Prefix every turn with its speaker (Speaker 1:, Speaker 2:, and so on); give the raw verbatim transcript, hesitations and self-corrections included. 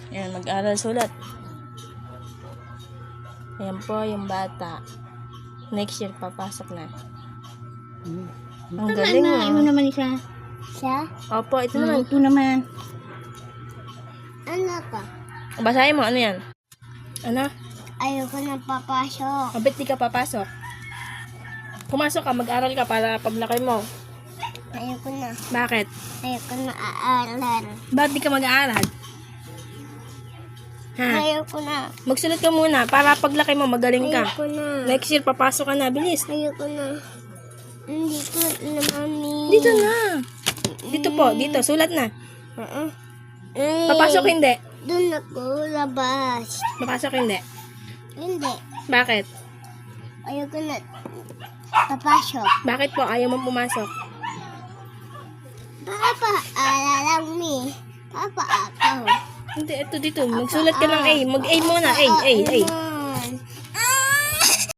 Speaker 1: Ayan, mag-aral sulat. Ayan po yung bata. Next year, papasok na. Ang galing mo.
Speaker 2: Ito naman isa. Siya?
Speaker 1: Opo, ito
Speaker 2: Naman.
Speaker 1: naman.
Speaker 2: Ito naman. Ano ka?
Speaker 1: Basahin mo, ano yan? Ano?
Speaker 2: Ayoko na papasok.
Speaker 1: Mabit di ka papasok. Pumasok ka, mag-aral ka para paglaki mo.
Speaker 2: Ayoko na.
Speaker 1: Bakit?
Speaker 2: Ayoko na aaral.
Speaker 1: Bakit di ka mag-aaral? Ha?
Speaker 2: Ayoko na.
Speaker 1: Magsulat ka muna para paglaki mo magaling ka.
Speaker 2: Ayoko na.
Speaker 1: Next year, papasok ka na. Bilis.
Speaker 2: Ayoko na. Hindi ko na, mami.
Speaker 1: Dito na. Dito po, dito. Sulat na.
Speaker 2: Uh-uh. Ay,
Speaker 1: Papasok hindi.
Speaker 2: Doon ako labas.
Speaker 1: Papasok hindi.
Speaker 2: Hindi.
Speaker 1: Bakit?
Speaker 2: Ayoko na papasok.
Speaker 1: Bakit po ayaw mo pumasok?
Speaker 2: Papa, alalang mi. Papa, ako.
Speaker 1: Hindi, ito dito. Magsulat ka ng A. Mag-A muna. A, A, A.